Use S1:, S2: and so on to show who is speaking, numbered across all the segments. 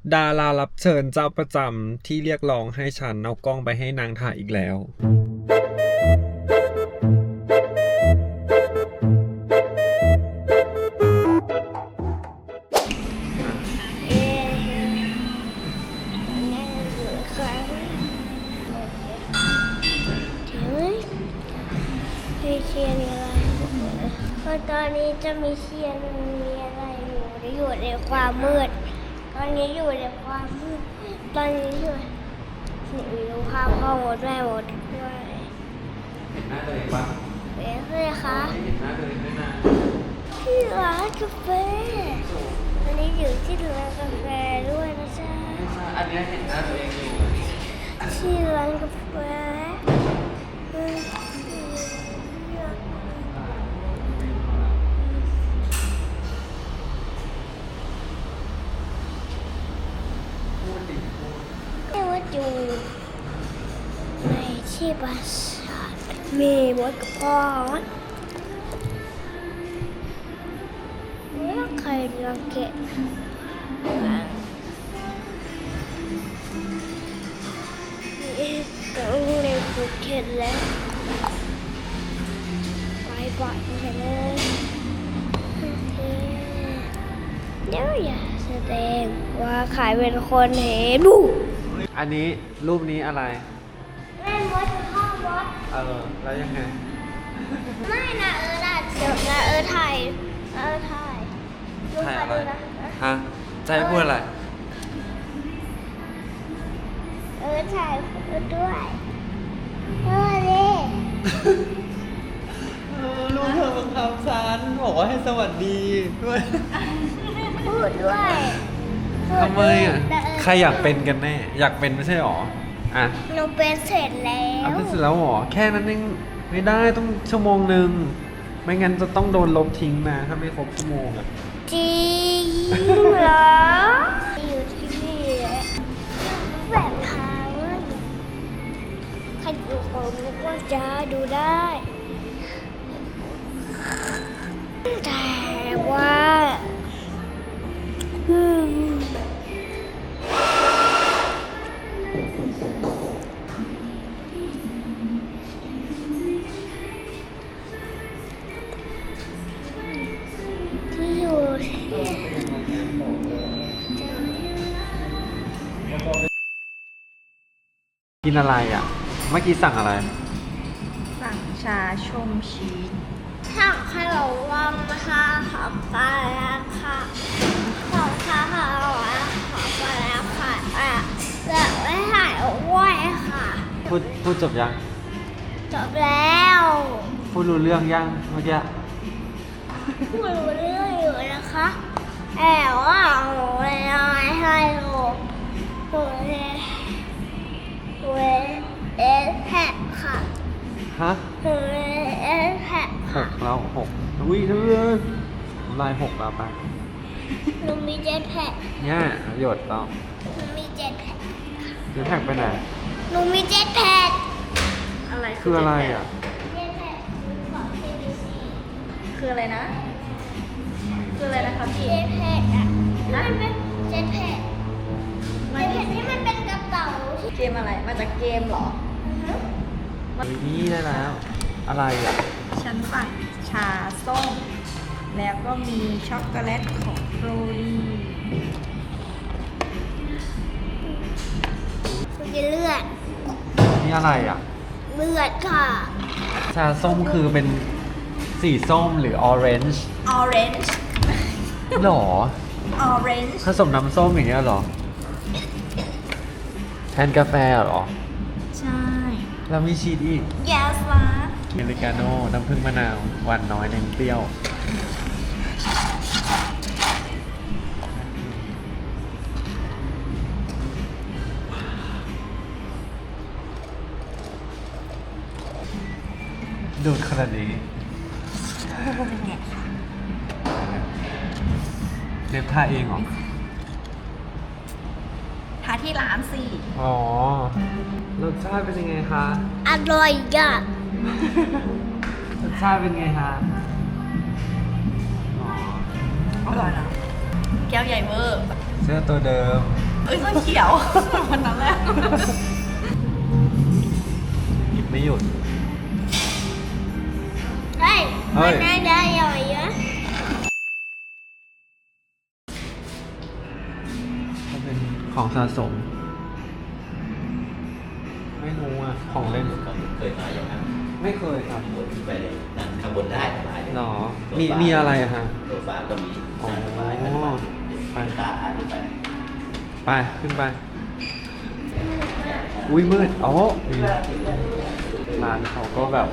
S1: ดารารับเชิญเจ้าประจำที่เรียกร้องให้ฉันเอากล้องไปให้นางถ่ายอีกแล้ว
S2: เชียร์อะไรเพราะตอนนี้จะมีเชียร์มีอะไรอยู่ในความมืดตอนนี้อยู่ในความมืดตอนนี้อยู่ดูภาพพ่อหมดแม่หมดด้วย
S1: เห็นหน้าตัวเองปะ
S2: เป็นเลยคะ
S1: เห็นหน้าตัวเองด้วยนะ
S2: ที่ร้านกาแฟตอนนี้อยู่ที่ร้านกาแฟด้วยนะจ๊ะ
S1: อันนี้เห็นหน้าตัวเองอยู่
S2: ที่ร้านกาแฟเรียกว่าอยู่ในที่ปราสาทมีมดกับพ่อแล้วใครรังเกียจต้องเรียนภูเก็ตแล้วไปบ่อยเลยเดี๋ยวอย่าแสดงว่าขายเป็นคนเห็นบุ
S1: อันนี้รูปนี้อะไร
S2: แม่มดกับพ่อมด
S1: แล้วยังไง
S2: ไม่นะเดี๋ยวนะถ่ายถ่าย
S1: ถ่ายอะไร ฮะจะให้พูดอะไร
S2: ถ่ายด้วยดิ
S1: ลูกเธอบังคับฉันบอกว่าให้สวัสดีด้วย
S2: พูดด้วย
S1: ทำไมอ่ะ ใครอยากเป็นกันแน่ อยากเป็นไม่ใช่หรอ อ่ะ
S2: หนูเป็นเสร็จแล้
S1: เอา
S2: ว
S1: เป็นเสร็จแล้วหรอ แค่นั้นเองไม่ได้ต้องชั่วโมงหนึ่ง ไม่งั้นจะต้องโดนลบทิ้งนะถ้าไม่ครบชั่วโมงอ่ะ
S2: จริงเหรออยู่ที่นี่แหละแบบทางใครดูผมนึกว่าจะดูได้แต่ว่าที่อยู่ที่
S1: กินอะไรอ่ะ เมื่อกี้สั่งอะไร
S3: สั่งชาชมชีส
S2: ถ้าขนมวังนะคะขอบปลาแล้วค่ะของข้าวขอบปลาแล้วค่ะแบบไม่ถ่ายอ้วยค่ะ
S1: พูดจบยัง
S2: จบแล้ว
S1: พูดรู้เรื่องยังเมื่อกี้
S2: พูดรู้เรื่องอยู่นะคะแต่ว่าหนูไม่ให้ลูกหนูเวเอสแท็กค่ะ
S1: ฮะ
S2: หนูเวเอสแท็ก
S1: 6แล้ว6อุ้ยเธอลาย6แล้วปะ
S2: หนูมีเจ็ตแพ็ก
S1: เนี่ยหยดแล้ว
S2: หนูมีเจ็ตแพ็ก
S1: จะแท็กไปไหน
S2: หนูมีเจ็ตแพ็ก
S3: อะไร
S1: คืออะไรอ่ะ
S2: เจ็ตแพ็กของ CBC
S3: คืออะไรนะ คืออะไรนะคะพี่
S2: เจ็ตแพ็กอ่ะมันเป็นเจ็ตแพ็กเจ็ตแพ็กที่มันเป็นกระเป๋าที่
S3: เกมอะไร มาจากเกมเหรอ
S1: นี่ได้แล้ว อะไรอ่ะ
S3: ฉันสั่งชาส้ม แล้วก็มีช็อกโกแลตของโรลี่
S2: มันจะเลือด
S1: นี่อะไรอ่ะ
S2: เลือดค่ะ
S1: ชาส้มคือเป็นสีส้มหรือออเรนจ์
S3: ออเรนจ์
S1: หรอ
S3: ออเรนจ์
S1: ผสมน้ำส้มอย่างเงี้ยหรอ แทนกาแฟเหรอ
S3: ใช่
S1: แล้วมีชีสอีก
S3: yes ล่ะ
S1: อเมริกาโน่น้ำผึ้งมะนาวหวานน้อยเน้นเปรี้ยว ดูดขนาดนี้เล็บท่าเองเหรอ
S3: ทาที่ร้านสิ
S1: อ๋อ รสชาติเป็นยังไงคะ
S2: อร่อยอ่ะ
S1: รสชาติเป็นไงคะ อ๋อ
S3: อร่อยนะ แก้วใหญ่เวอร์
S1: เสื้อตัวเดิม
S3: เอ้ยเสื้อเขียววันนั้นแหละ
S1: หยิบไม่หยุด
S2: เฮ้ย
S1: เฮ้
S2: มัน
S1: ย
S2: น่าจะใหญ่เยอะ
S1: ก็เป็นของสะสม ไม่รู้อ่ะ ของเล่น
S4: เคยมาอย่างนั้น
S1: ไม่เคยครับ
S4: ข้างบนขึ้นไปเลยนั่งข้างบนได้สบายเลย
S1: หรอ มีอะไรอะฮะ
S4: โซฟาก็มี
S1: อ๋อ
S4: นั่งสบายไป
S1: ไป
S4: ตาอ่านขึ้นไป
S1: ไป ขึ้นไป อุ้ยมืดอ๋อนี่ร้านเขาก็แบบ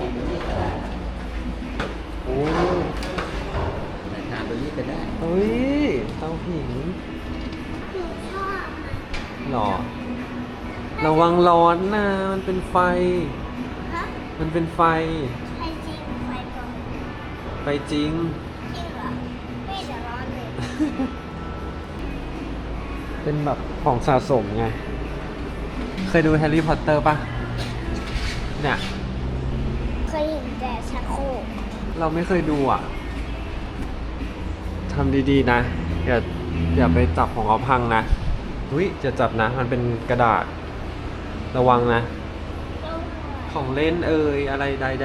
S1: โอ้
S4: ทานตัวนี้ก็ได้
S1: เฮ้ย เตาผิง
S2: หนูชอบมัน
S1: หรอ ระวังร้อนนะ มันเป็นไฟ
S2: ฮะ
S1: มันเป็นไฟ
S2: ใช่จริงไฟปลอม
S1: ไฟจริง
S2: จริงเหรอไม่จะร้อนเลย
S1: เป็นแบบของสะสมไง เคยดูแฮร์รี่พอตเตอร์ปะเนี่ย
S2: เคยเห็นแต่ชักโครก
S1: เราไม่เคยดูอ่ะ ทำดีๆนะ อย่าไปจับของเขาพังนะอุ้ยจะจับนะ มันเป็นกระดาษ ระวังนะ
S2: ต้อง
S1: ของเล่นเอ่ยอะไรใด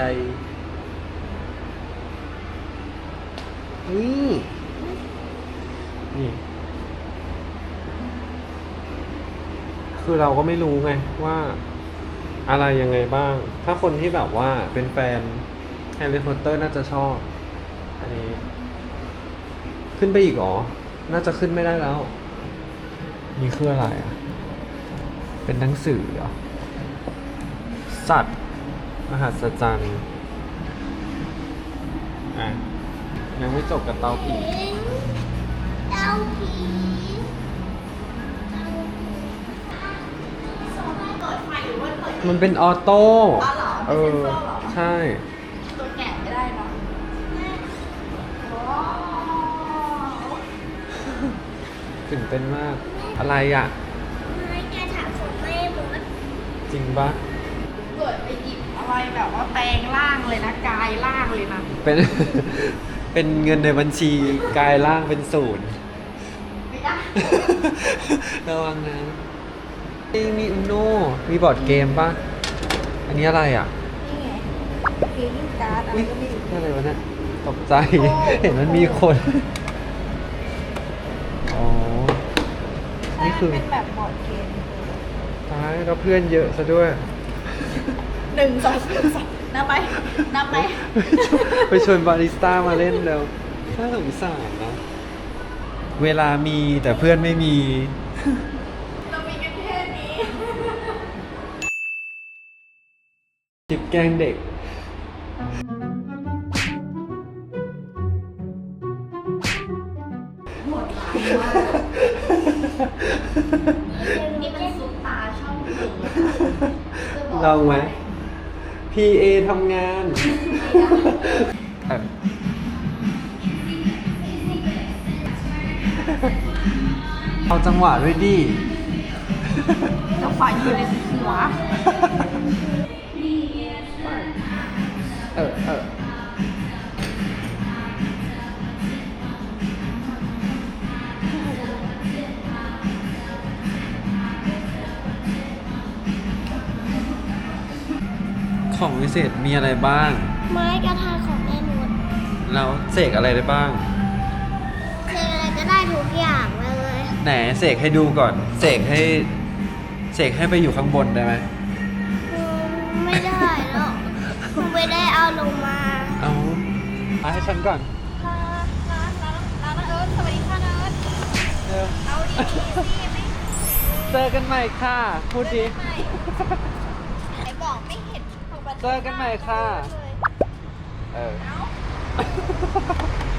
S1: ๆนี่ คือเราก็ไม่รู้ไงว่าอะไรยังไงบ้าง ถ้าคนที่แบบว่าเป็นแฟนแฮร์รี่พอตเตอร์น่าจะชอบ อันนี้ ขึ้นไปอีกเหรอ น่าจะขึ้นไม่ได้แล้ว นี่คืออะไรอ่ะ เป็นหนังสือเหรอ สัตว์ มหัศจรรย์อ่ะ ยังไม่จบกับเตาผี
S2: เต้าผีเต้าผี
S3: เปิดไฟหรือว่าเปิด
S1: มันเป็นออโต้
S3: อ๋อเหรอ
S1: เอ
S3: เป็น
S1: อ
S3: เซ็นเซอร์เหรอ
S1: ใช่
S3: ตัวแกะไม่ได้เนาะว้าว
S1: ตื่นเต้นมาก อะไรอ่ะ
S2: ไม่แกถามผมไม่หมด
S1: จริงปะ
S3: เกิดไปหยิบอะไรแบบว่าแปลงร่างเลยนะกายร่างเลยนะ
S1: เป็น เป็นเงินในบัญชีกลายร่างเป็นศูนย์
S3: ไม่ได้
S1: ระวังนะมีอุโนมีบอร์ดเกมปะอันนี้อะไรอ่ะ
S3: นี่ไงฟีลิ่งการ์ดอะไร
S1: อุ๊ย
S3: ก็ไม่รู้
S1: อะไรวะเนี่ยตกใจ
S3: โอ้
S1: เห็นมันมีคน อ๋อ
S3: ใช่
S1: นี่
S3: มัน
S1: คือ
S3: เป็นแบบบอร์ดเกม
S1: ตายแล้วเพื่อนเยอะซะด้วย
S3: 1 2 3นับไปนับไป
S1: ไปชวนบาริสต้ามาเล่นแล้วน่าสงสารนะ เวลามีแต่เพื่อนไม่มี
S3: เรามีกันแค่นี้
S1: จิบแกล้งเด็ก
S3: นี่เป็นซุปตาช่องหนึ่ง
S1: ลองไหม PA ทำงานเออเอาจังหวะด้วยดิ
S3: จะไฟอยู่ในหัว
S1: เออ ของวิเศษมีอะไรบ้าง
S2: ไม้กระทาของแม่หมด
S1: แล้วเสกอะไรได้บ้าง
S2: เจออะไรก็ได้ทุกอย่างเลย
S1: ไหนเสกให้ดูก่อน เสกให้ไปอยู่ข้างบนได้ไหม
S2: ไม่ได้หรอกหนูไม่ได้เอาลงมา
S1: เอาให้ฉันก่อน
S3: ร้านเอิร์ธสวัสดีค่ะเอิร์ธ
S1: เออ
S3: เอาดีๆสิไม่
S1: เจอกันใหม่ค่ะ พูดดิ
S3: ไม่ไหนบอกไม่เห็นของประตู
S1: เจอกันใหม่ค่ะ
S3: เลย
S1: เออ
S3: เอ้า